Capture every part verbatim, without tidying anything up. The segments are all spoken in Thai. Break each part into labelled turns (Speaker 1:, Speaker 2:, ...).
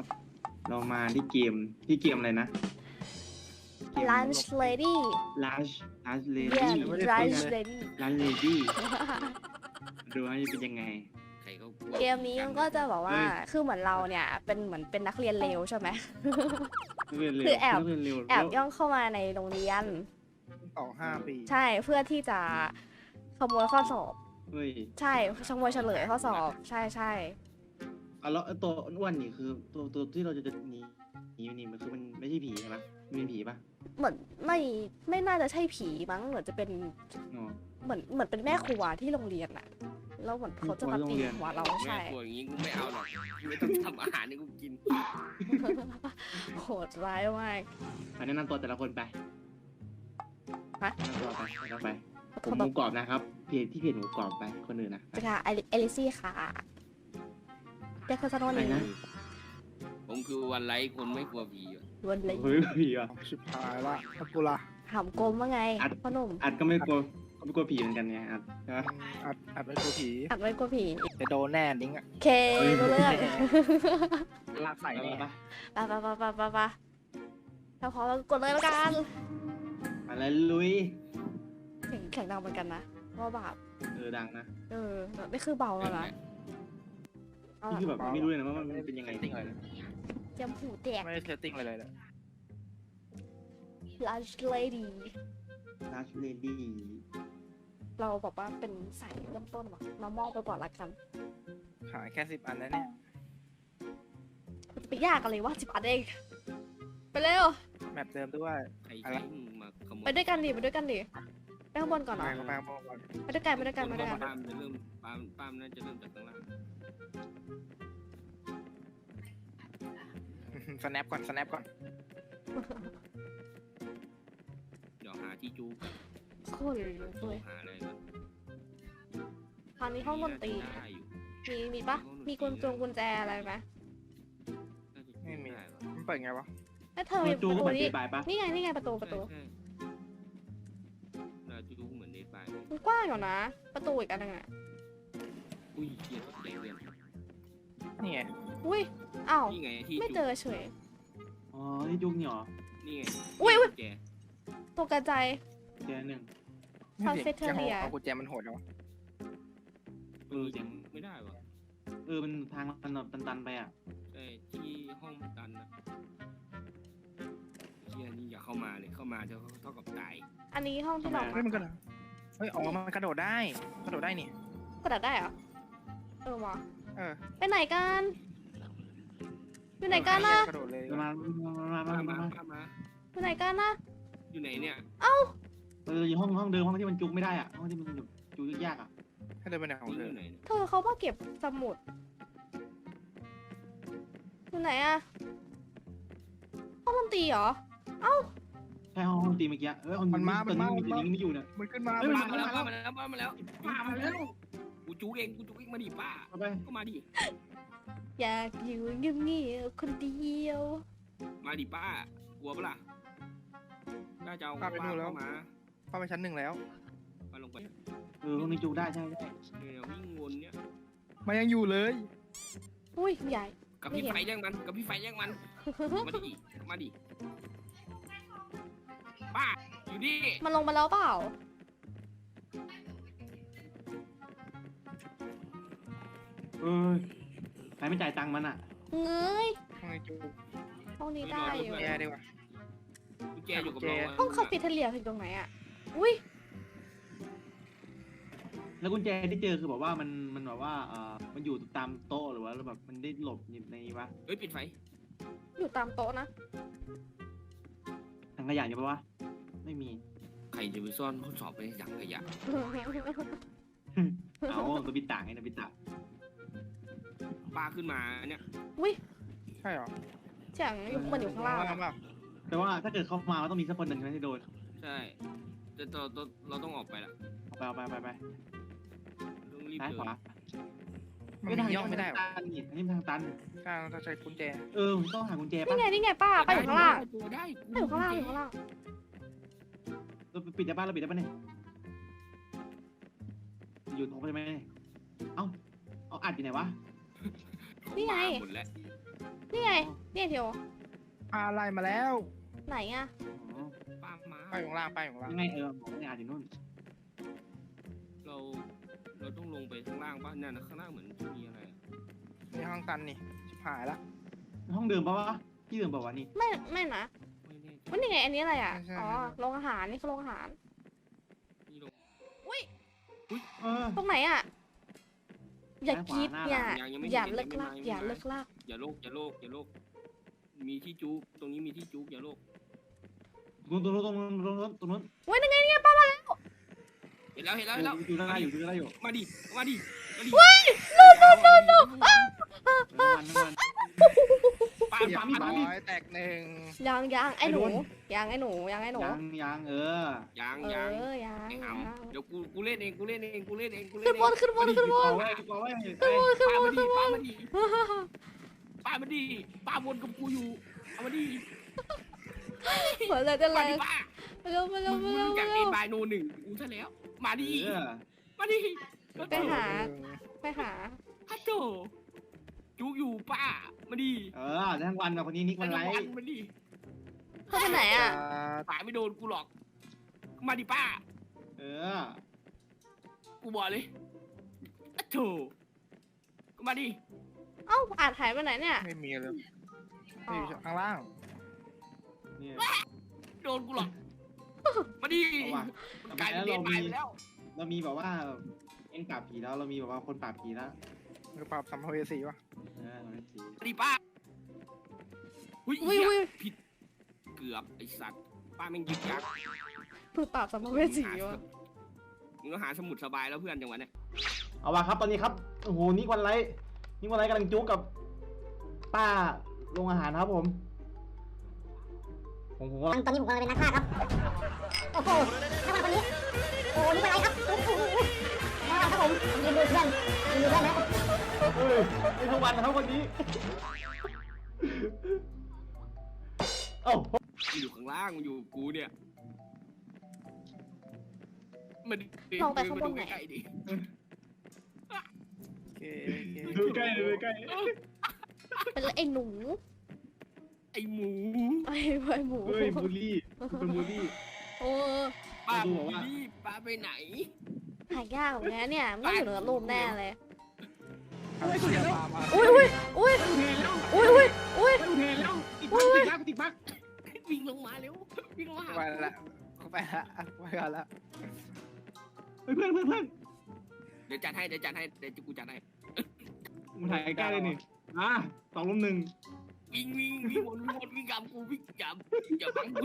Speaker 1: ครับ เรามาที่เกมที่เกมอะไรนะ
Speaker 2: Lunch Lady
Speaker 1: Lunch Lunch
Speaker 2: yeah
Speaker 1: Lady
Speaker 2: Lunch Lady
Speaker 1: Lunch Lady ดูว่าจะเป็นยังไง
Speaker 3: ใครก็กลัว
Speaker 2: เกมนี้มันก็จะบอกว่า
Speaker 1: เฮ้ย
Speaker 2: คือเหมือนเราเนี่ยเป็นเหมือนเป็นนักเรียนเลวใช่ไหม
Speaker 1: เรียนเร็ว
Speaker 2: คือแอบ
Speaker 1: เรียนเร็ว
Speaker 2: แอบย่องเข้ามาในโรงเรียน
Speaker 4: ต่อห้าปี
Speaker 2: ใช่เพื่อที่จะขโมยข้อสอบ
Speaker 1: เฮ้ย
Speaker 2: ใช่ขโมยเฉลยข้อสอบ ใช่ใช่
Speaker 1: อ่ะแล้วไอ้ตัวอ้วนๆนี่คือตัวตัวที่เราจะจะหนีหนีนี่มันคือมันไม่ใช่ผีใช่ไหมมันเป็นผีปะ
Speaker 2: เหมือนไม่ไม่น่าจะใช่ผีมั้งเหมือนจะเป็น
Speaker 1: อ๋อ
Speaker 2: เหมือนเหมือนเป็นแม่ครัวที่โรงเรียนอะแล้วเหมือนเขาจะมาตีหัวเรา
Speaker 3: แม่
Speaker 2: ใช่
Speaker 3: กลัวอย่างงี้กูไม่เอาหรอกไม่ต้องทำอาหารให้กูกิน
Speaker 2: โหดร้ายมาก
Speaker 1: อันแนะนำตัวแต่ละคนไป
Speaker 2: ฮะ
Speaker 1: แนะนำตัวไปแนะนำไปผมหมูกรอบนะครับเพจที่เพจหมูกรอบไปคนอื่นนะ
Speaker 2: ไปค่ะเอลิเอลิซี่ค่ะเด็กคนสนุ
Speaker 1: อะไร
Speaker 2: นี่
Speaker 1: นะ
Speaker 3: ผมคือวันไลท์คนไม่กลัวผีอะ
Speaker 2: วันเลย
Speaker 1: เฮ้ยผีอ่ะ
Speaker 4: ชิบหายละถ้ากูละ
Speaker 2: ถามกลมว่าไง
Speaker 1: อัด
Speaker 2: พ่อหนุ่ม
Speaker 1: อัดก็ไม่กลัวก็ไม่กลัวผีเหมือนกันไงอัดใช่ปะ
Speaker 4: อัดอัดเป็นตัวผี
Speaker 2: อัดไว้กลัวผี
Speaker 4: จะโดนแน่ดิ้งอะ
Speaker 2: เครู้เรื่อง
Speaker 4: ลากใส่
Speaker 1: ไป
Speaker 4: แน่
Speaker 1: ปะ
Speaker 2: ไปไปไปไปไปไปถ้าพร้อมแล้วกดเลยแล้วกัน
Speaker 1: มาแล้วลุย
Speaker 2: เสียงแข็งดังเหมือนกันนะเพราะว่าแบบ
Speaker 1: เออดังนะ
Speaker 2: เออนี่คือเบาแล้วนะเอา
Speaker 1: นี่
Speaker 2: ล่ะ
Speaker 1: คือแบบไม่รู้เลยนะว่ามันเป็นยังไง
Speaker 4: ติ้งอะไรเลย
Speaker 2: เจียมหูแตก
Speaker 4: ไม่ได้เซตติ้งอะไรเลยเลย
Speaker 2: Lunch Lady
Speaker 1: ลัชเลดี้
Speaker 2: เราบอกว่าเป็นสายเริ่มต้นว่ะมามอบไปก่อนละกัน
Speaker 4: หายแค่สิบอันแล้วเนี่ย
Speaker 2: จะไปยากอะไรวะจิบอันเองไปเร็ว
Speaker 4: แมปเดิมด้วย
Speaker 3: ใครใช้มึงมาขโมย
Speaker 2: ไปด้วยกันดิไปด้วยกันดิไปข้างบนก่อน
Speaker 4: ไป
Speaker 2: เนาะ
Speaker 4: เข้าไปเข้าไป
Speaker 2: ไปด้วยกันไปด้วยกันไปด้วยกัน
Speaker 3: ปามจะเริ่มปามปามน่าจะเริ่มจากข้างล่าง
Speaker 4: สแนปก่อนสแนปก่อน
Speaker 3: เดี๋ยวหาที่จูกัน
Speaker 2: โคตรเลย
Speaker 3: หาอะไรกัน
Speaker 2: คราวนี้ห้องดนตรี
Speaker 3: ได้อยู่
Speaker 2: มีมีปะมีกุญจงกุญแจอะไรไหม
Speaker 3: น่าจะ
Speaker 4: ไม่มี
Speaker 3: ด้วะ
Speaker 4: มันเปิดไงวะ
Speaker 2: แล้วเธอมี
Speaker 1: จู
Speaker 2: ประ
Speaker 1: ก็
Speaker 2: ตู
Speaker 1: เหมือน
Speaker 2: นี่
Speaker 1: ตีบายปะ
Speaker 2: นี่ไงนี่ไงประตูประตู
Speaker 3: ใช่ใช่น่าจะจูเหมือนเดทบาย
Speaker 2: มันกว้างอยู่นะ ประตูอีกอันหนึงอ่ะ
Speaker 3: อุ้ยเกียร์ตกใจเรียน
Speaker 4: นี่ไง
Speaker 2: อุ้ยอ้าว
Speaker 3: นี่ไงที่
Speaker 2: ไม่
Speaker 3: จู
Speaker 2: เจอเฉย
Speaker 1: อ๋อนี่จุกนี่หรอ
Speaker 3: นี่ไง
Speaker 2: อุ๊ยอุ๊ย
Speaker 3: แก
Speaker 2: ตกกระจาย
Speaker 1: เจอหนึ่ง
Speaker 4: ไม่เด็ก
Speaker 2: Cafeteria
Speaker 4: เอากุญแจมันโหดแล้ววะ
Speaker 1: เออ
Speaker 3: ยังไม่ได้วะ
Speaker 1: เออมันทางมันแบบตันๆไปอ่ะ
Speaker 3: ใช่ที่ห้องมันตันนะเฮียนี่อย่าเข้ามาเลยเข้ามาจะเท่ากับตาย
Speaker 2: อันนี้ห้องที่เรา
Speaker 4: เฮ้ยมันกระโดดเฮ้ยอ๋อมันกระโดดได้กระโดดได้นี่
Speaker 2: กระดาษได้เหรอเออว่ะ
Speaker 4: เออ
Speaker 2: ไปไหนกันอยู่ไหนกันนะ
Speaker 4: กระโดดเลย
Speaker 1: มามามามา
Speaker 3: มา
Speaker 1: มา
Speaker 3: มา
Speaker 1: มา
Speaker 3: มามา
Speaker 2: อยู่ไหนกันนะ
Speaker 3: อยู่ไหนเนี่ย
Speaker 1: เราอยู่ห้องห้องเดิมห้องที่มันจุกไม่ได้อ่ะห้องที่มันแบบจุกยากๆอ่ะ
Speaker 4: ให้เดินไปไหนของ
Speaker 3: นี่
Speaker 4: เธ
Speaker 3: อ
Speaker 4: อยู่
Speaker 3: ไหนเนี่ย
Speaker 2: เธอเขามาเก็บสมุดอยู่ไหนอะห้องดนตรีเหรอ
Speaker 1: ใช่ห้องห้องตีเมื่อกี้เออห้องนี้ตอนนี้มีตัวนี้ไม่อยู่เนี่ย
Speaker 4: มันขึ้นมา
Speaker 1: เฮ้ย
Speaker 3: ป้ามาแล้วป้ามาแล้วป้ามาแล้ว
Speaker 1: ป้ามาแล้ว
Speaker 3: กูจูเองกูจูเองมาดิป้า
Speaker 1: เอาไป
Speaker 3: ก็มาดิ
Speaker 2: อยากอยู่เงียบๆคนเดียว
Speaker 3: มาดิป้ากลัวปะล่ะป้าจะเอาป้าเข้ามา
Speaker 4: เข้าไปชั้นหนึ่งแล้ว
Speaker 3: ป้าลงไป
Speaker 1: เออห้องนี้จุกได้ใช่ใช่
Speaker 3: เนี่ยวิ่งวนเนี่ย
Speaker 4: มันยังอยู่เลย
Speaker 2: อุ้ยใหญ่
Speaker 3: กับพี่ไฟแย่งมันกับพี่ไฟแย่งมันมาดิมาดิป้าอยู่ดิ
Speaker 2: มันลงมาแล้วเปล่า
Speaker 1: เออใครไม่จ่ายตังค์มันอ่ะ
Speaker 2: เงย
Speaker 4: ห้องนี้จู
Speaker 2: ห้องนี้ได้อยู่
Speaker 4: แย่ดีกว่า
Speaker 3: กุญแจอยู่กับเรา
Speaker 2: ห้องคาเฟ่เทเลียคือตรงไหนอะอุ้ย
Speaker 1: แล้วกุญแจที่เจอคือแบบว่ามันมันแบบว่าเออมันอยู่ตามโต๊ะหรือว่าแบบมันได้หลบอยู่ในวะ
Speaker 3: เฮ้ยปิดไฟ
Speaker 2: อยู่ตามโต๊ะนะ
Speaker 1: ถังขยะอยู่ปะวะไม่มี
Speaker 3: ใครจะไปซ่อนข้อสอบไปในถังขยะ
Speaker 1: เอาตัวปิดตาไงนะปิดตา
Speaker 3: ป้าขึ้นมาเนี่ย
Speaker 2: อุ้ย
Speaker 4: ใช่เหรอ
Speaker 2: เสียงอยู่มันอยู่ข้างล่างอะ
Speaker 4: เปล่า
Speaker 1: แต่ว่าถ้าเกิดเขามาก็ต้องมีสักคนหนึ่งใช่ไหมที่โดน
Speaker 3: ใช่แต่เราเราเราต้องออกไปละ
Speaker 1: เอาไปเอาไปไปไป
Speaker 3: ต้องรีบ
Speaker 1: ซ้าย
Speaker 3: เดิ
Speaker 1: ขวา
Speaker 4: มันมีย่องไม่ได้หรอ
Speaker 1: ทางตันนี่อันนี้มันทางตัน
Speaker 4: การต้องใช้กุญแจ
Speaker 1: เออต้องหากุญแจ
Speaker 2: นี่
Speaker 1: ป่ะ
Speaker 2: ไงนี่ไงป้าป้าอยู่ข้างล่าง
Speaker 3: ตัวได้
Speaker 2: ป้าอยู่ข้างล่างอยู่ข้างล่าง
Speaker 1: เราปิดได้ป่ะเราปิดได้ป่ะเนี่ยอยู่ตรงไปไหมเอ้าเอาอัดอยู่ไหนวะ
Speaker 2: นี่ไง
Speaker 3: หมดแล้ว
Speaker 2: นี่ไงนี่เทียว
Speaker 4: ปลาอะไรมาแล้ว
Speaker 2: ไหนอะ
Speaker 1: อ๋อ
Speaker 3: ป้ามา
Speaker 4: ไปของล่างไปของล่าง
Speaker 1: ยังไงเออบอกไม่อาจอยู่นู่น
Speaker 3: เราเราต้องลงไปข้างล่างป่ะเนี่ยนะข้างล่างเหมือนจะมีอะไร
Speaker 4: นี่ห้องตันนี่ชิบหายละ
Speaker 1: ห้องเดิมปะวะที่เดิมปะวะนี่
Speaker 2: ไม่ไม่นะ
Speaker 3: ไม่แน่ใจ
Speaker 2: ว่านี่ไงอันนี้อะไรอะอ๋อโรงอาหารนี่คือโรงอาหาร
Speaker 3: นี่ลง
Speaker 1: เออ
Speaker 2: ตรงไหนอะอย่า
Speaker 1: ซ้ายขวา
Speaker 2: คิด
Speaker 1: หน้า
Speaker 2: อย่า
Speaker 3: ยังยังไม่
Speaker 2: อย่า
Speaker 3: เห็น
Speaker 2: เลิก
Speaker 3: ยัง
Speaker 2: ลาก
Speaker 3: ไม่
Speaker 2: อย่า
Speaker 3: มา
Speaker 2: เลิกลาก
Speaker 3: อย่าโลกอย่าโลกอย่าโลกมีที่จุกตรงนี้มีที่จุกอย่าโลก
Speaker 1: ตรงนู้นตรงนู้นตรงนู้นตรงนู้น
Speaker 2: เว้ยนั่นไงเนี่ยป้ามาแล้ว
Speaker 3: เห็นแล้วเห็น
Speaker 1: เอ
Speaker 3: แล้ว
Speaker 1: อ
Speaker 3: เห็นแล้ว
Speaker 1: อยู่ได้อยู่ได้อยู่
Speaker 3: มาดิมาดิมาดิ
Speaker 2: ว้ายโนโนโนโน
Speaker 1: น้ำมันน้ำมัน
Speaker 3: ปา
Speaker 4: เรีย
Speaker 3: ปา
Speaker 4: บ
Speaker 3: ปา
Speaker 4: ร้อยแตกหนึ่ง
Speaker 2: ยังยังไอ้หนู
Speaker 1: ไอ้โดน
Speaker 2: ยังไอ้หนูยังไอ้หนู
Speaker 1: ยังยังเออ
Speaker 3: ยัง
Speaker 2: เอ
Speaker 3: ยัง
Speaker 2: อยัง
Speaker 3: ไอ้ห
Speaker 2: ยัง
Speaker 3: ำเดี๋ยวกูกูเล่นเองกูเล่นเองกูเล่นเองกูเล่
Speaker 2: ขึ้
Speaker 3: น
Speaker 2: น
Speaker 3: เอง
Speaker 2: บนขึ้นบนขึ้นบ
Speaker 1: เอา
Speaker 2: น
Speaker 1: ไว้เอาไว้
Speaker 3: ป้ามาดิป้ามาดิป้ามาดิป้าวนกับกูอยู่เอามาดิ
Speaker 2: เหมือนอะไรจะ
Speaker 3: มา
Speaker 2: แร
Speaker 3: ดิ
Speaker 2: ง
Speaker 3: ป้า
Speaker 2: มาเร็วมาเร็ว
Speaker 3: มึ
Speaker 2: มาง เร็ว
Speaker 3: จาก
Speaker 2: มา
Speaker 3: เอ็
Speaker 2: เร็
Speaker 3: น
Speaker 2: ว
Speaker 3: บายโนหนึ่งกูซะแล้ว มาดิ
Speaker 1: เออ
Speaker 3: มาดิ
Speaker 2: ไปหา ไปหา
Speaker 3: ฮัตโตจุกอยู่ป้ามาดิ
Speaker 1: เออทั้งวันกับคนนี้นิกมันไร
Speaker 3: วันมาดิ
Speaker 2: เขาไปไหนอ่ะ
Speaker 3: ป้าไม่โดนกูหรอก มาดิป้า
Speaker 1: เออ
Speaker 3: กูบอกเลยฮัตโตก็มาดิ
Speaker 2: เอ้าอาจหายไปไหนเนี่ย
Speaker 4: ไม่มีเลย
Speaker 2: อ๋อ
Speaker 4: ไม่อยู่ข้างล่าง
Speaker 1: เนี่ย
Speaker 3: โดนกูหรอก มาดิ
Speaker 1: เอาว่ะ
Speaker 3: มันกลายเป็นเดนบายไปแล้ว
Speaker 1: เรามีแบบว่าเอ็นปราบผีแล้วเรามีแบบว่าคนปราบผีแล้ว
Speaker 4: มือปราบสัมภเวสีวะ
Speaker 1: เออเราไม่ผี
Speaker 3: มาดิป้าหุ้ย
Speaker 2: อุ้ย
Speaker 3: เหี้ย
Speaker 2: อุ้ย
Speaker 3: ผิด เกือบไอสัตว์ ป้าแม่งยึกยัก
Speaker 2: มือปราบสัมภเวสีวะ
Speaker 3: มึงก็หาสมุดสบายแล้วเพื่อนจังหวะเนี้ย
Speaker 1: เอาว่ะครับตอนนี้ครับโอ้โหนิกวันไรนิกวันไรกำลังจุกกับป้าโรงอาหารครับผมผมผมว่า
Speaker 5: ตอนนี้ผมกำลังเป็นนักฆ่าครับ โอ้โหถ้ามาคนนี้ โอ้โหนี่เป็นอะไรครับโอ้โหมาครับผมยืนดูเพื่อนยืนดูเพื่อนนะ
Speaker 1: เฮ้ยไม่ทั้งวันนะครับวันนี้เอ้า
Speaker 3: มันอยู่ข้างล่างมันอยู่กับกูเนี่ยมัน
Speaker 2: ลองไปข้างบนไหน
Speaker 3: ใกล้ๆดิ
Speaker 4: โอเคโอเค
Speaker 1: ดูใกล้ดูใกล้
Speaker 2: เป็นไอ้หนู
Speaker 3: ไอหมู
Speaker 2: ไอ้ไอ้หมู
Speaker 1: เฮ้ยบูลลี่เป็นบูลลี่
Speaker 2: โอ้
Speaker 3: ป้า
Speaker 1: ดู
Speaker 3: บ
Speaker 1: บอกว่า
Speaker 3: นี่ป้าไปไหน
Speaker 2: หายากเหมือนกันเนี่ยไม่อยู่เหนือรูปแน่เลย
Speaker 4: เอาเชี่ยปลามา
Speaker 2: อุ้ยอุ้ยอุ้ย
Speaker 1: เทแล้ว
Speaker 2: อุ้ยอุ้ยอุ้ย
Speaker 1: เทแล้วติดบักติดบักติดบัก
Speaker 3: วิ่งลงมาเร็ววิ่งลงมาหา
Speaker 4: ไปละไปละไปกันละ
Speaker 1: เฮ้ยเพื่อนเพื่อนเพื่อน
Speaker 3: เดี๋ยวจัดให้เดี๋ยวจัดให้เดี๋ยวกูจัดให้
Speaker 1: มึงถ่ายใกล้เลยนี่อ่ะสองลุมหนึ่ง
Speaker 3: วิ่งวิ่งวิ่งวนวิ่งวนวิ่งกับกูวิ่งจับอย่าบังกูดิ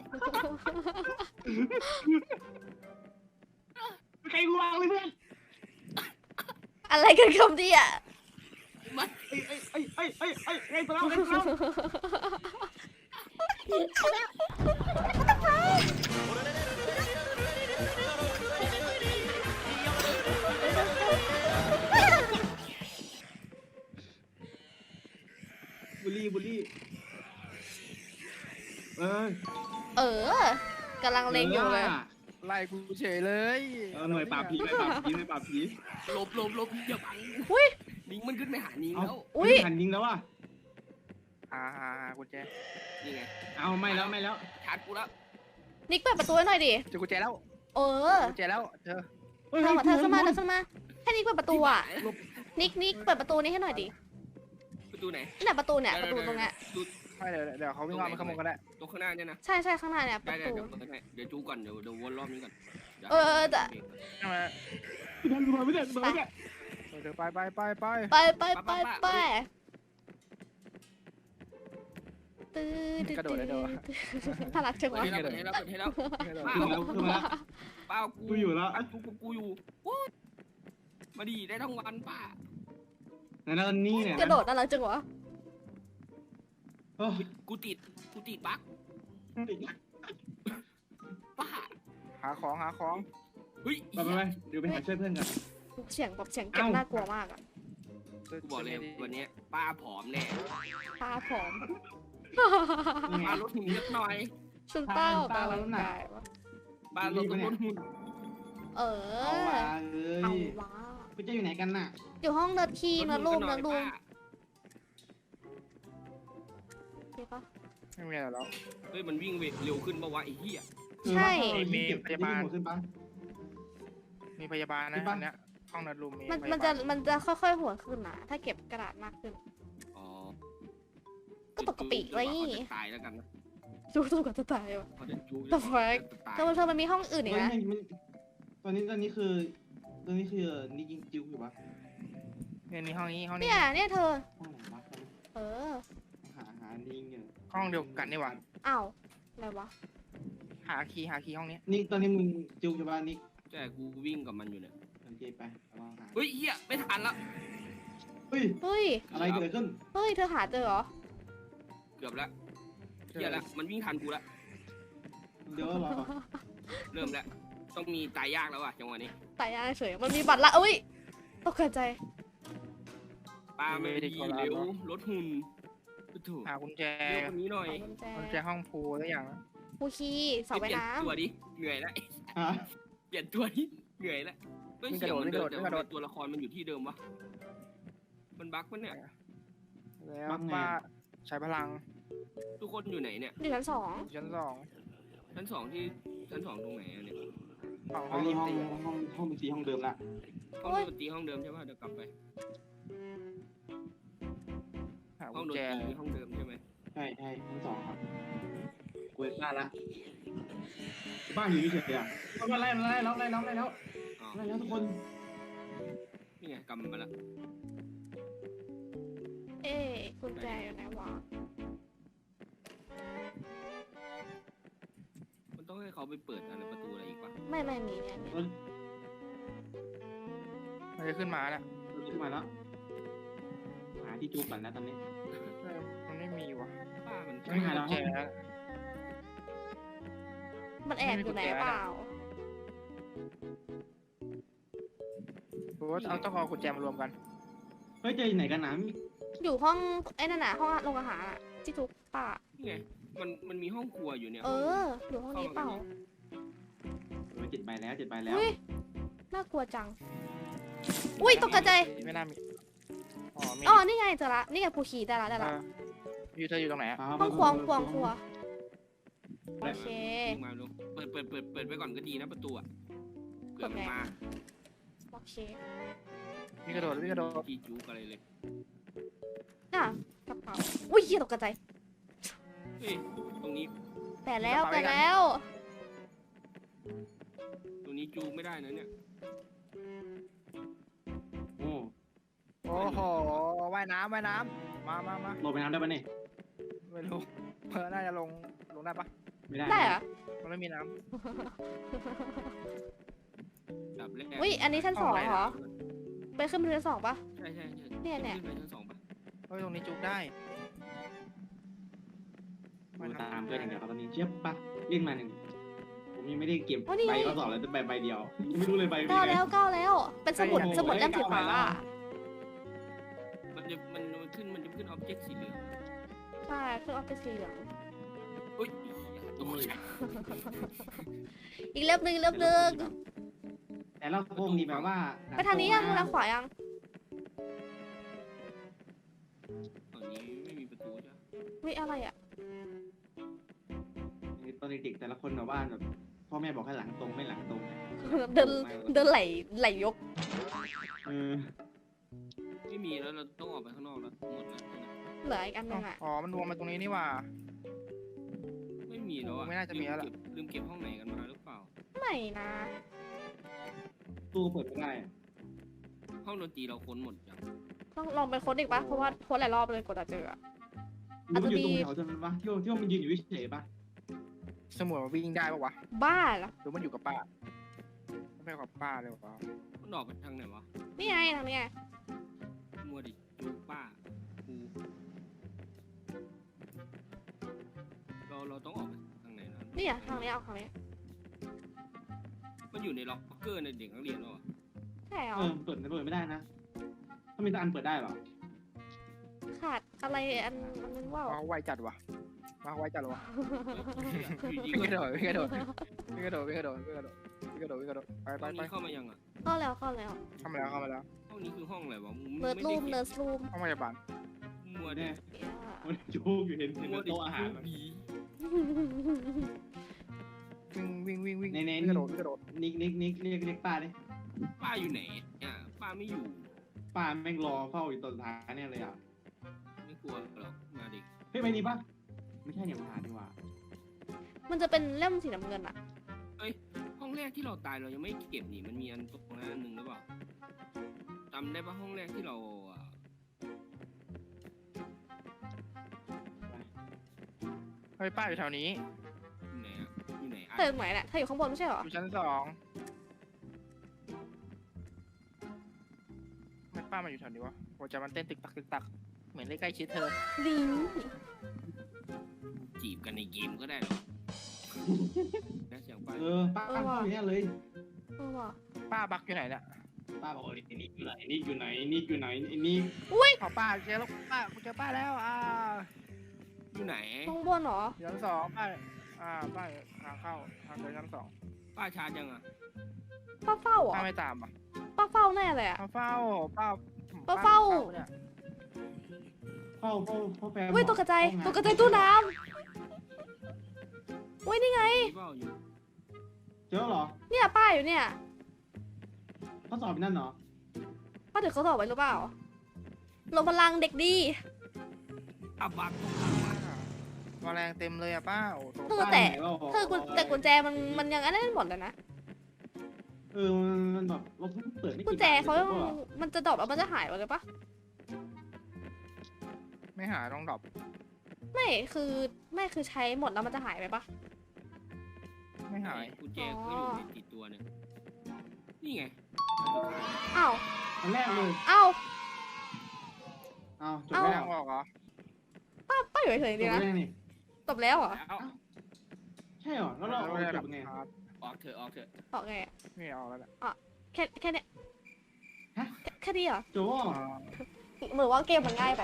Speaker 1: ใครกูวางเลยเพื่อน
Speaker 2: อะไรกันคำเดีย
Speaker 3: มา
Speaker 1: ไอ้ไอ้ไอ้ไอ้ไอ้ไอ้ไอ้ตัวเราไอ้ตัวเราบุลี่บุลี่เออ
Speaker 2: เออกำลังเล็งอยู่เลย
Speaker 4: ไล่กูเฉยเลย
Speaker 1: เออหน่วยปราบผีหน่วยปราบผีหน่วยปราบผี
Speaker 3: หลบหลบหลบอย่าบัง
Speaker 2: อุ้ย
Speaker 3: นิงมันขึ้นไปหานิง
Speaker 1: เอา
Speaker 3: แล้ว
Speaker 2: อุ้ย
Speaker 1: หันยิงแล้วว่ะ
Speaker 4: อ่ากุญแจ
Speaker 3: นี่ไง
Speaker 1: เอาไม่แล้วไม่แล้ว
Speaker 3: ชาร์จกูแล้ว
Speaker 2: นิกเปิดประตูให้หน่อยดิ
Speaker 4: เจอกุญแจแล้ว
Speaker 2: เออ
Speaker 4: กุญแจแล้วเธอ
Speaker 1: เฮ้ย
Speaker 2: เธอมาเธอเข้ามาเธอเข้ามาให้นิกเปิดประตูอ่ะ
Speaker 3: หลบ
Speaker 2: นิกนิกเปิดประตูนี้ให้หน่อยดิ
Speaker 3: ประตูไหน
Speaker 2: นี่แหละประตูเนี่ยประตูตรงเนี้ย
Speaker 3: ดู
Speaker 4: ไม่เดี๋ยวเดี๋ยวเขาวิ่งรอบมันขโมยกันได้
Speaker 3: ตรงข้างหน้าเนี่ยนะ
Speaker 2: ใช่ใช่ข้างหน้าเนี่ยป
Speaker 3: ได้
Speaker 2: ระ
Speaker 3: ได้
Speaker 2: ตู
Speaker 3: เดี๋ยวเปิดให้เดี๋ยวจูก่อนเดี๋ยวเดี๋ยววนรอบนี้ก่อนดี๋ยว
Speaker 2: เออเออแต่
Speaker 4: ใช่ไหม
Speaker 1: พี่ทันดูมาไม่ได้ดูมาไม่ได้
Speaker 4: เดี๋ยวไปไปไปไป
Speaker 2: ไปไปไปไปตื้อตื้อตื้อน่ารักจัง
Speaker 3: เปิด
Speaker 2: วะ
Speaker 3: ให้แล้วเปิดให้แล้วเปิดให้แล้ว
Speaker 1: ขึ้นมาแล้วขึ้นมาแล้ว
Speaker 3: ป้ากู
Speaker 1: กูอยู่แล้ว
Speaker 3: กูกูกูอยู่โอ๊ยมาดีได้ทั้งวันป้า
Speaker 1: ไหนนั่นนี่เนี่ย
Speaker 2: กระโดดน่ารักจังวะ
Speaker 1: โอ้
Speaker 3: กูติดกูติดบั๊กป้า
Speaker 4: หาของหาของ
Speaker 3: เฮ้ย
Speaker 1: ไปไปไปเดี๋ยวไปหาช่วยเพื่อนกัน
Speaker 2: เสียงแบบเสียงเก็บน่ากลัวมากอ่ะ
Speaker 3: กูบอกเลยวันนี้ป้าผอมแน่
Speaker 2: ตาผอม
Speaker 3: ป้าลดหุ่นนิดหน่อย
Speaker 2: ชุนป้าออกกำลังกายวะ
Speaker 3: ป้าลดลดหุ่น
Speaker 2: เอ
Speaker 1: เอา
Speaker 2: อ
Speaker 1: ว่ะเอ้
Speaker 2: เอา
Speaker 1: ยว
Speaker 2: ะ
Speaker 1: พี่จะอยู่ไหนกันน่ะ
Speaker 2: อยู่ห้องเนิร์ดคีเนิร์ดรูมเนิร์ดรูมเก็บปะ
Speaker 4: ไม่มีอะไรแล้ว
Speaker 3: เฮ้ยมันวิ่งเร็วขึ้นปะวะไอ้เหี้ย
Speaker 2: ใช่
Speaker 4: มี
Speaker 1: เก็บ
Speaker 4: พยาบาล
Speaker 1: ขึ้นปะ
Speaker 4: มีพยาบาลนะ
Speaker 1: ที่บ้าน
Speaker 4: อันเนี้ยห้องนัดรูมมี
Speaker 2: มัน
Speaker 4: พยาบาล
Speaker 2: มันจะมันจะค่อยๆหัวขึ้นนะถ้าเก็บกระดาษมากขึ้น
Speaker 3: อ๋อ
Speaker 2: ก็ปกติเลย
Speaker 3: เขาจะตายแล้วกันนะ
Speaker 2: จู้ๆกับจะตายวะ
Speaker 3: เขาจะจู้
Speaker 2: The fuck
Speaker 3: จะตาย
Speaker 2: เธอเธอมันมีห้องอื่นอีก
Speaker 1: เฮ้ย
Speaker 2: นะ
Speaker 1: มันตอนนี้ตอนนี้คือตอนนี้คือนี่ยิงจิ้วอยู่ปะ
Speaker 4: เนี่ยนี่ห้องนี้ห้องนี้
Speaker 2: เนี่ยเนี่ยเธอ
Speaker 1: ห้องไหนวะ
Speaker 2: เออ
Speaker 1: หาหานี่ยิงอยู่
Speaker 4: ห้องเดียวกันนี่หว่า
Speaker 2: อ้าวอะไรวะ
Speaker 4: หาคีย์หาคีย์ห้องนี้
Speaker 1: นี่ตอนนี้มึงจิ้วอยู่ปะนี่
Speaker 3: ใช่กูวิ่งกับมันอยู่เนี่ย
Speaker 1: โอเคไปลองหา
Speaker 3: เฮ้ยเหี้ยไม่ทันละ
Speaker 1: เฮ้ย
Speaker 2: เฮ้ย
Speaker 1: อะไรเกิดขึ้น
Speaker 2: เฮ้ยเธอหาเจอเหรอ
Speaker 3: เกือบแล้วเหี้ยละมันวิ่งทันกูละ
Speaker 1: เดี๋ยวรอ
Speaker 3: เริ่มแล้วต้องมีตายยากแล้วว่ะจังหวะนี้
Speaker 2: ตายยากเฉยมันมีบัตรละอุ้ยตกใจ
Speaker 3: ปลาไม่ดีเร็วรถหุ่นถูก
Speaker 4: หากุญแจ
Speaker 3: เร็วกว่านี้หน่อย
Speaker 2: ขอกุญแจ
Speaker 4: กุญแจห้องพูตัวอย่างนะ
Speaker 2: ผู้ขี้เสา
Speaker 3: เป
Speaker 2: ว่าย
Speaker 3: ลี่ยน
Speaker 2: น้
Speaker 3: ตัวดิเหนื่อยแล้ว
Speaker 1: ฮะ
Speaker 3: เปลี่ยนตัวดิเหนื่อยแล้วเฮ้ยเสียงมันเดินแต่ทำไมตัวละครมันอยู่ที่เดิมวะมันบั๊กมันเนี่ย
Speaker 4: แล้วป้าใช้พลัง
Speaker 3: ทุกคนอยู่ไหนเนี่ย
Speaker 2: ำอยู่ชั้นสอง
Speaker 4: ชั้นสอง
Speaker 3: ชั้นสองที่ชั้นสองตรงไหนอะเนี่ย
Speaker 4: ห้อง
Speaker 1: ต
Speaker 4: ห้
Speaker 1: อ
Speaker 4: อนง
Speaker 1: นี้
Speaker 4: ดน
Speaker 1: ห้อง
Speaker 4: ตรี
Speaker 1: ห้องห้องบัญชีห้องเดิมละ
Speaker 3: ห้องดนตรีห้องเดิมใช่ป่ะเดี๋ยวกลับไป
Speaker 4: หา
Speaker 3: ห้อ
Speaker 4: กุ
Speaker 3: ง
Speaker 4: ญ
Speaker 3: ดน
Speaker 4: แจ
Speaker 3: ตรีห้องเดิมใช่ไหม
Speaker 1: ใช่ใช่ชั้นสองครับกูเอ็ดบ้านละบ้านอยู่เฉยๆอ่ะไล่ไล่แล้วไล่แล้วไล่แล้ว
Speaker 3: อ๋อ
Speaker 1: ไล่แล้วทุกคน
Speaker 3: นี่ไงกำมาละ
Speaker 2: เอ๊ะกุญแจอยู่ไหนวะ
Speaker 3: มันต้องให้เขาไปเปิดอะไรประตูอะไรอีกปะ
Speaker 2: ไม่ไม่มีเนี่ยเนี่ย
Speaker 4: มันจะขึ้นมาแล้ว
Speaker 1: ขึ้นมาแล้วหาที่จูบก่อนนะตอนนี้
Speaker 4: มันไม่มีว่ะ
Speaker 3: ป้ามัน
Speaker 4: ไม่มีกุญแจแล้ว
Speaker 2: มันแอบอยู่ไหนเปล่า
Speaker 4: หรือว่าเอาต้องเอากุญแจมารวมกัน
Speaker 1: เฮ้ยเจอไหนกันนะ
Speaker 2: อยู่ห้องไอ้นั่นน่ะห้องโรงอาหารอ่ะที่ทุกป่า
Speaker 3: นี่ไงมันมันมีห้องครัวอยู่เนี่ย
Speaker 2: เออ อยู่ห้องนี้เปล่า
Speaker 1: เออเจ็ดใบแล้วเจ็ดใบแล้ว
Speaker 2: อุ้ยน่ากลัวจัง อุ้ยตกใจ
Speaker 4: ไม่น่ามีอ๋อมี
Speaker 2: อ๋อนี่ไงเจอละนี่ไงผู้ขี้ได้ละได้ละ
Speaker 4: เอออยู่เธออยู่ตรงไหนอะ
Speaker 2: ห้องครัวห้องครัวห้องครัวโอเค
Speaker 3: วิ่งมาลูกเปิดเปิดเปิดเปิดไปก่อนก็ดีนะประตูอะเผื่อมันมา
Speaker 2: โอเค
Speaker 4: มีกระโดดมีกระโดด
Speaker 3: จีจูกอะไรเลย
Speaker 2: อ่ะกระเป๋าอุ้ยเหี้ยตกใจ
Speaker 3: เฮ้ยตรงนี้
Speaker 2: แปะแล้วแปะแล้ว
Speaker 3: ตรงนี้จูไม่ได้นะเนี่ย
Speaker 1: โอ้
Speaker 4: โอ้โหว่ายน้ำว่ายน้ำมามามา
Speaker 1: ลงไปน้ำได้ปะเนี่ย
Speaker 4: ไม่รู้เพื่อน่าจะลงลงได้ปะ
Speaker 1: ไม่ได้
Speaker 2: ได้เหรอ
Speaker 4: มันไม่มีน้
Speaker 3: ดับแรก
Speaker 2: อุ้ยอันนี้ชั้นสองเหรอ ไปขึ้นไปชั้นสองปะ
Speaker 3: ใช่ใช่ใช่
Speaker 2: เนี่ยเนี่ย
Speaker 3: ขึ้นไปชั้นสองปะ
Speaker 4: ำเฮ้ยตรงนี้จุกได้
Speaker 1: ดูตามเพื่อนอย่างเดียวครับตอนนี้เชียบปะเรียกมาหนึ่งผมยังไม่ได้เก็บ
Speaker 2: อ๋อนี่ไง
Speaker 1: ใบข้อสอบเลยแต่ใบใบเดียวยังไม่รู้เลยใบ
Speaker 2: เก้า
Speaker 1: เป็นไง
Speaker 2: แล้วเก้าแล้ว เป็นสมุด
Speaker 1: โอ้โห
Speaker 2: สมุดเล่มสีฟ้า
Speaker 1: เก้าแล้ว
Speaker 3: มันจะมันมันขึ้นมันจะขึ้นออบเจกต์สีเหลือง
Speaker 2: ใช่เครื่องออฟฟิศสีเหลือง
Speaker 3: อุ้ยตกใจ
Speaker 2: อีกเล่มหนึงอีกเล่มหนึง
Speaker 1: แต่เราพวกนี้แบบว่า
Speaker 2: ไปทางนี้ยังทางขวายัง
Speaker 3: ตอนนี้ไม่มีประตูจ้ะ
Speaker 2: วิอะไรอ่ะ
Speaker 1: ตอนเด็กๆแต่ละคนแบบว่าแบบพ่อแม่บอกให้หลังตรงไม่หลังตรงเนี่ย
Speaker 2: เดินเดินไหลไหลยก
Speaker 1: เออ
Speaker 3: ไม่มีแล้วเราต้องออกไปข้างนอกแล้วหมดแล้วนะ
Speaker 2: เหลืออีกอันหนึงอ่ะ
Speaker 4: อ๋อมันรวมมาตรงนี้นี่หว่า
Speaker 3: ไม่มีแล้วอะ
Speaker 4: ไม่น่าจะมีแล้วล่ะ
Speaker 3: ลืมเก็บลืมเก็บห้องไหนกันมาหรือเปล่า
Speaker 2: ไม่นะ
Speaker 1: ตู้เปิดไม่ได้อะ
Speaker 3: ห้องดนตรีเราค้นหมดยัง
Speaker 2: ต้องลองไปค้นอีกปะเพราะว่าค้นหลายรอบเลยกว่าจะเจออะ
Speaker 1: มันอยู่ตรงแถวจนมันวะที่ว่าที่ว่ามันยืนอยู่เฉยๆปะ
Speaker 4: สมุดมันวิ่งได้ปะวะ
Speaker 2: บ้าเหรอ
Speaker 4: หรือมันอยู่กับป้าไม่กับป้าเลยวะ
Speaker 3: มันออกไปทางไหนวะ
Speaker 2: นี่ไงทางนี้ไง
Speaker 3: มัวดิจูป้ากูเราเราต้องออกไปทางไหนนะ
Speaker 2: นี่อ่ะทางนี้เอาทางนี้
Speaker 3: มันอยู่ในล็อกเกอร์ในเด็กนักเรียนแล้วอะ
Speaker 2: ใช่เหรอ
Speaker 1: เออเปิดเปิดไม่ได้นะถ้ามีแต่อันเปิดได้เหรอ
Speaker 2: ขาดอะไรอันอันนึงว่า
Speaker 4: มาไวจัดวะมาไวจัดวะ
Speaker 3: อยู่ดี
Speaker 4: วิ่งก
Speaker 3: ก็
Speaker 4: ระโดดวิ่งกระโดดวิ่งกระโดดวิ่งกระโดดวิ่งกระโดดวิ่งกระโดดวิ่งกระโดดไป
Speaker 3: ต
Speaker 4: ไป
Speaker 3: อน
Speaker 4: ไป
Speaker 3: นี้เข้ามายังอ่ะ
Speaker 2: เข้าแล้วเข้าแล้ว
Speaker 4: เข้ามาแล้วเข้ามาแล้ว
Speaker 3: ห้องนี้คือห้องอะไรวะมึง
Speaker 2: เนิร์ด
Speaker 3: ไม่
Speaker 2: รู
Speaker 3: ได้
Speaker 2: ม
Speaker 3: เก็
Speaker 2: เนิ
Speaker 3: บ
Speaker 2: ร์ดรูม
Speaker 4: ห้องพยาบาล
Speaker 3: มัวดิ
Speaker 1: เนี่ยมันโยกอยู่เห็นเห็นบนโต๊ะอาหาร
Speaker 3: ผี
Speaker 4: วิ่งวิ่งวิ่งวิ่ง
Speaker 1: ในใน
Speaker 4: วิ่งกระโดดวิ่งกระโดด
Speaker 1: นิกนิกนิกเรียกเรียกป้าดิ
Speaker 3: ป้าอยู่ไหนอ่ะป้าไม่อยู่
Speaker 1: ป้าแม่งรอเฝ้าอยู่ตอนสุดท้ายเนี่ยเลยอ่ะ
Speaker 3: ไม่กลัวหรอกมาดิ
Speaker 1: เฮ้ยไม่นี่ปะไม่ใช่เนี่ยมันหาดีกว่า
Speaker 2: มันจะเป็นเล่มสีน้ำเงินอะ
Speaker 3: ห้องแรกที่เราตายเรายังไม่เก็บนี่มันมีอันตรงนั้นอันหนึ่งหรือเปล่าจำได้ปะห้องแรกที่เราอ่ะ
Speaker 4: เฮ้ยป้าอยู่แถวนี้
Speaker 3: อยู่ไหนอ่ะอยู่ไหนอ่ะ
Speaker 2: เธออยู่ไหนเนี่ยเธออยู่ข้างบนไม่ใช่เหรอ
Speaker 4: อยู่ชั้นสองทำไมป้ามาอยู่แถวนี้วะหัวใจมันเต้นตึกตักตึกตักเหมือนได้ใกล้ชิดเธอ
Speaker 2: ดี
Speaker 3: จีบกันในเกมก็ได้หรอนะเสียงป้า
Speaker 1: เออป้าป้าอยู่เนี่ยเลย
Speaker 2: เออว่ะ
Speaker 4: ป้าบักอยู่ไหนเนี่ย
Speaker 1: ป้าบอกไอ้นิกอยู่ไหนนิกอยู่ไหนนิกอยู่ไหนไอ้นิก
Speaker 4: ขอป้าเจอแล้วป้าเจอป้าแล้วอ่า
Speaker 3: อยู่ไหน
Speaker 2: ข้างบนเหรอ
Speaker 4: ชั้นสองป้าอ่าป้าทางเข้าทางเดินชั้นสอง
Speaker 3: ป้าชาร์จยังอ่ะ
Speaker 2: ป้าเฝ้าเหรอ
Speaker 4: ป้าไม่ตามอ่ะ
Speaker 2: ป้าเฝ้าแน่เลยอะ
Speaker 4: ป้าเฝ้าป้า
Speaker 2: ป้าเฝ้า
Speaker 4: เนี่ย
Speaker 1: เฝ้าเฝ้าเฝ้าแฟน
Speaker 2: เว้ยตัวกระจายตัวกระจายตู้น้ำเว้ยนี่ไง
Speaker 3: เฝ้าอยู่
Speaker 1: เจอเหรอ
Speaker 2: เนี่ยป้าอยู่เนี่ย
Speaker 1: เขาสอบนั่นเหรอ
Speaker 2: ป้าถือเขาสอบไว้หรือเปล่าลงพลังเด็กดี
Speaker 3: อับบัก
Speaker 4: แมลงเต็มเลยอ่ะป้าโอ้โห
Speaker 2: เออแต่เธอกุญแต่กุญแจมันมันยังอันนั้นหมดเลยนะ
Speaker 1: เออมันแบบเราเพิ่งเปิดไม่
Speaker 2: กุญแจเขายังมันจะดรอปแล้วมันจะหายไปเลยปะ
Speaker 4: ไม่หาต้องดรอป
Speaker 2: ไม่คือไม่คือใช้หมดแล้วมันจะหายไปปะ
Speaker 4: ไม่หาย
Speaker 3: กุญแจก็อยู่ในติดตัวเนี่ยนี่ไง
Speaker 2: อ้าว
Speaker 1: อันแรกเลย
Speaker 2: อ้าว
Speaker 1: อ้าวจบ
Speaker 2: เอ้า
Speaker 4: ไม่
Speaker 1: แล้
Speaker 4: ทาว งออกเหรอ
Speaker 2: ป้าป้าอยู่เฉย
Speaker 1: จ
Speaker 2: ๆดี
Speaker 1: บ
Speaker 2: นะ
Speaker 1: แล้วนี่
Speaker 2: จบแล้วเหรอ
Speaker 3: แล้ว
Speaker 1: ใช่เหรอแล้วเราเอาจบไง
Speaker 4: ครับ
Speaker 3: ออกเถอะออกเถอะ
Speaker 2: ออกไงอะ
Speaker 4: ไม่ออกแล้วแหละ
Speaker 2: แค่แค่เนี้ย
Speaker 1: ฮะ
Speaker 2: แค่แค่นี้เหรอ
Speaker 1: จบว่า
Speaker 4: อ๋อ
Speaker 2: เหมือนว่าเกมมันง่ายไป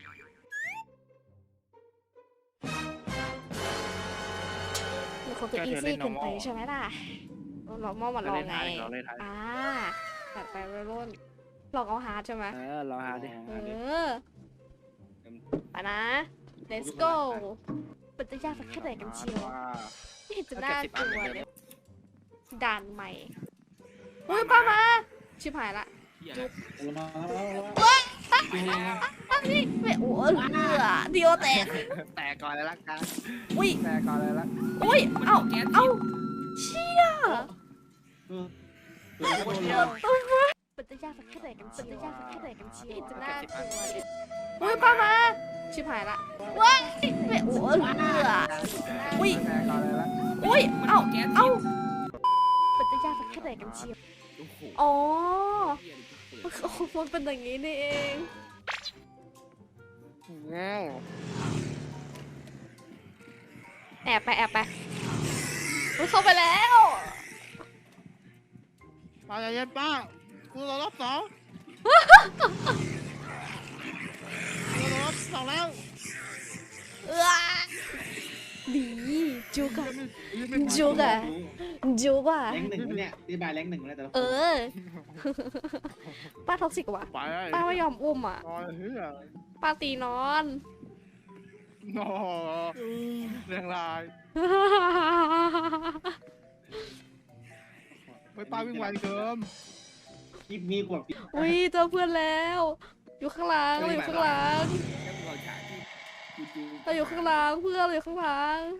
Speaker 2: มันคงจะอีซี่เกินไปใช่ไหมล่ะเรามองมาล
Speaker 4: เรา
Speaker 2: อง
Speaker 4: เล่น
Speaker 2: ไง
Speaker 4: ท้ายเราเล่นท้าย
Speaker 2: อ่าตัดไปไปรุ่นลองเอาฮาร์ดใช่ไหม
Speaker 4: เออรอหาดิ
Speaker 2: เออไปนะ let's go มันจะยากสักแค่ไหนกันเชียวไม่เห็นจะน่ากลัวเลยด่านใหม่อุ้ยป้ามาชิบหายละ
Speaker 3: เหี้ย
Speaker 1: มาแล้ว
Speaker 2: อ้าวนี่ไม่โอ้เลือเดียวแตก
Speaker 4: แตกก่อนเลยละกัน
Speaker 2: อุ้ย
Speaker 4: แตกก่อนเลยละ
Speaker 2: อุ้ยเอ้า
Speaker 3: แก๊ส
Speaker 2: เอ้าเชี่ย
Speaker 1: เออ
Speaker 4: คนเดียว
Speaker 2: มันจะยากสักแค่ไหนกันเชียวมันจะยากสักแค่ไหนกันเชียวไม่เห็นจะน่ากลัวเลยอุ้ยป้ามาชิบหายละว้ายไม่โอ้เลือ อุ้ย
Speaker 4: แตกก่อนเลยละ
Speaker 2: อุ้ยเอ้า
Speaker 3: แก๊ส
Speaker 2: เอ้ามันจะยากสักแค่ไหนกันเชียว
Speaker 3: โอ้โห
Speaker 2: อ๋อ
Speaker 3: เหี้ย
Speaker 2: โอ้โหมันเป็นอย่างนี้นี่เอง
Speaker 4: เงี้ย
Speaker 2: แอบไปแอบไปอุ๊ยเข้าไปแล้ว
Speaker 4: ป้าใจเย็นป้ากูรอรอบสองกูรอรอบสองแล้ว
Speaker 2: เออดีจุกอะจุกอะจุกอะ
Speaker 1: แรงหนึ่งเนี่ยตีบายแรงหนึ่งเลยแต่ละ
Speaker 2: เออ ป้าท็อกซิกว่ะ
Speaker 4: ไปเลย
Speaker 2: ป้าไม่ยอมอุ้มอ่ะ
Speaker 4: นอนเฮ้ย
Speaker 2: ป้าตีนอน
Speaker 4: นอนเรื่องลายไปป้าวิ่งไวเกิน
Speaker 1: คลิปนี้กว่า
Speaker 2: อุ้ยเจอเพื่อนแล้ว อยู่ข้างหลังเราอยู่ข้างหลัง
Speaker 3: แค่เราฉากที่จู
Speaker 2: เราอยู่ข้างหลังเพื่อนเราอยู่ข้างหลัง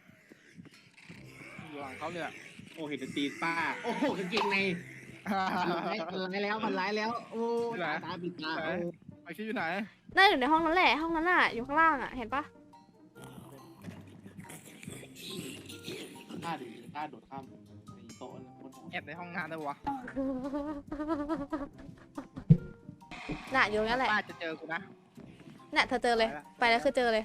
Speaker 4: อยู่หลังเขาเนี่ย
Speaker 1: โอ้เห็นตีป้าโอ้โหกางเกงในร้ายแล้วมันร้ายแล้วโอ้ตาตาปิดตา
Speaker 4: ไอคิดอยู่ไหน
Speaker 2: น่าอยู่ในห้องนั้นแหละห้องนั้นน่ะอยู่ข้างล่างอ่ะเห็นปะ
Speaker 1: ป้าดิป้าโดดข้ามโต๊ะบนหัว
Speaker 4: แอบในห้องงานได้วะ
Speaker 2: น่ะอยู่งั้นแหละ
Speaker 4: ป้าจะเจอกูนะ
Speaker 2: น่ะเธอเจอเลย ไปแล้วคือเจอเลย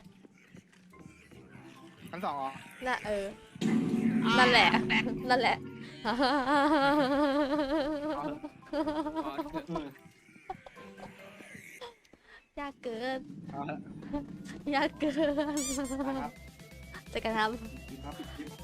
Speaker 4: ชั้นสองอ๋อ
Speaker 2: น่ะเออ นั่นแหละ นั่นแหละ ยากเกิน
Speaker 4: เอาละ
Speaker 2: ยากเกิน
Speaker 1: ครับ
Speaker 2: จะกระท
Speaker 1: ครับ